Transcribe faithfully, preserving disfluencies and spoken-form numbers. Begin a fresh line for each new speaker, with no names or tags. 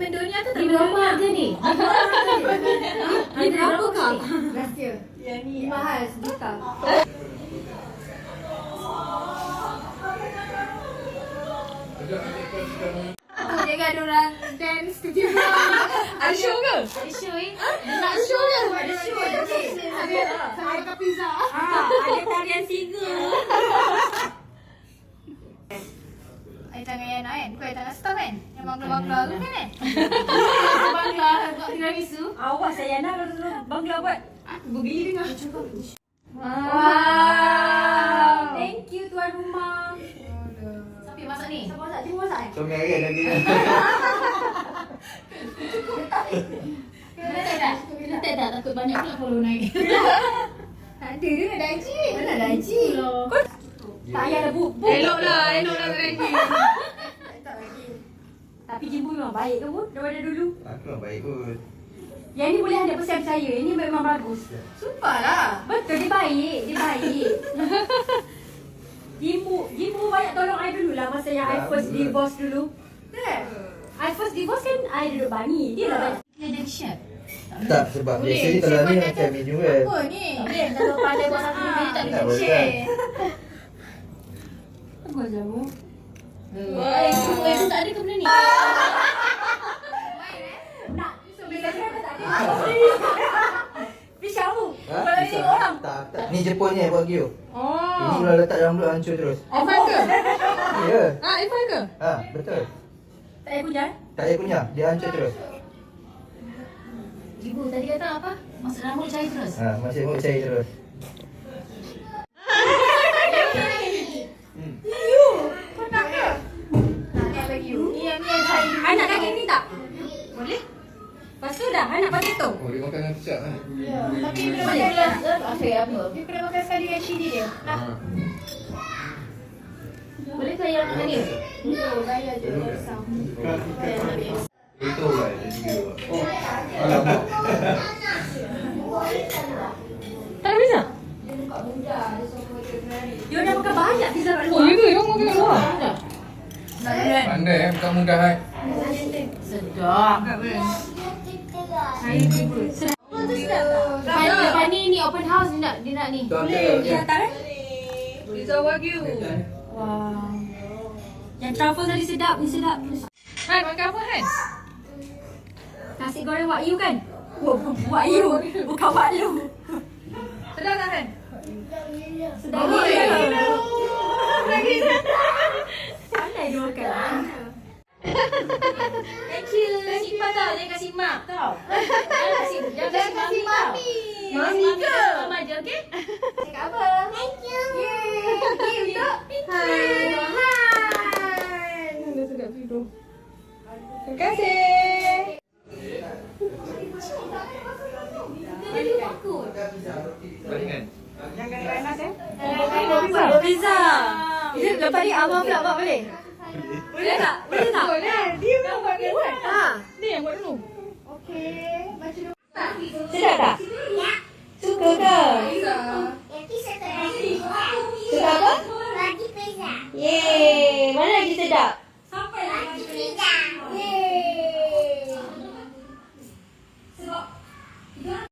benda ni atau tak
Ini berapa harga ni? Ini berapa kak?
Rahsia.
Yang ni
Mahal sejuta. Jangan ada orang dance tu je.
ada show ke?
Ada show eh?
Nak show ke? Ada show ada Ada saya makan pizza.
Ah, ada tarian singa.
Air tangan Yana kan? Bukan air tangan staff kan? Yang bangla-bangla tu kan eh? Bangla kat tiramisu.
Awak saya nak kalau bangla buat.
Aku bergeli dengar.
Wow. Thank you tuan rumah.
Siapa yang masak ni?
Siapa masak? Cuma masak eh?
Suami hari lagi.
Tak tak?
Tak tak takut banyak pula follow naik.
Tak ada dia nak daiji.
Mana ada Haji? Tak payah dah bu. bu.
Elok lah, elok lah tak lagi.
Tak lagi.
Tapi Jimbo memang baik ke bu? Daripada dulu.
Aku memang baik kot.
Yang ni boleh one hundred percent percaya. Ini memang bagus.
Sumpah lah.
Betul, dia baik. Dia baik. Jimbo, Jimbo banyak tolong I dulu lah masa yang I first divorce dulu.
Tak?
I first divorce kan I duduk bani. Dia lah banyak. Dia jadi chef.
Tak, sebab
Boleh,
biasanya kalau
chef
ni
akan
macam menu kan.
Apa ni?
Boleh, kalau pandai buat satu benda tak
Tak
boleh
boleh
share.
kan?
Apa jamu?
Wah.
Eh, itu itu tak ada ke benda ni? Nak, bila saya tak ada. Fish kamu.
Ha?
Kalau ini
Bisa?
orang.
Tak, tak. Ni Jepun ni buat gyo.
Oh.
Ini kalau letak dalam mulut hancur terus.
Irfan ke?
Ya.
Ah, Irfan ke?
Ha, betul.
Tak payah kunyah.
Tak payah kunyah, dia hancur terus.
Ibu tadi kata apa? Masuk dalam mulut cair terus.
Ha, masih mulut cair terus. Hmm.
You. Kau nak ke? Nak bagi you. Ni yang ni yang saya.
I nak kaki ni tak? Boleh? Lepas tu dah, I nak potato.
Oh, dia makan dengan kecap kan?
Tapi kena makan dengan saya apa? Dia kena makan sekali dengan chili dia. Nak.
Boleh ke yang ni?
Oh, bayar je besar. Bayar habis.
Itu lah, jadi dia. Oh, alamak.
Tak ada pizza?
Dia buka muda, dia suruh dia berani.
Dia dah makan banyak pizza kat
Oh,
luar.
ya ke? Yang makan kat luar?
Nak kan?
Pandai eh, bukan mudah kan?
Sedap.
Saya tiba.
Sedap.
Sedap.
Pani, Pani ni open house dia nak dia nak ni.
Boleh.
Dia datang eh?
Pizza Wagyu.
Wow. Yang truffle tadi sedap, ni sedap.
Han, makan apa Han?
Nasi goreng Wak Yu kan? Oh, Wak Yu, bukan Wak Lu.
Sedap tak Han?
Sedap
Oh,
gila.
lagi.
Pandai dia makan. Thank you. Kasih Mak tau, jangan kasih Mak tau. Jangan kasih, jangan kasih Mami tau.
Mami ke?
Mama je, okey?
Cakap apa? Thank you. Yeay. Thank you untuk Hai. Hai.
Dah sedap tidur. Terima kasih.
Dia dia takut.
Baringan.
Jangan panas eh.
Pizza. Pizza. Lepas ni abang pula buat boleh? Boleh tak? Boleh tak?
Boleh. Dia memang buat dia buat.
Ha.
Dia yang buat dulu.
Okey. Baca dulu.
Sedap tak? Suka ke? Suka apa?
Lagi pizza.
Yeay. Mana lagi sedap?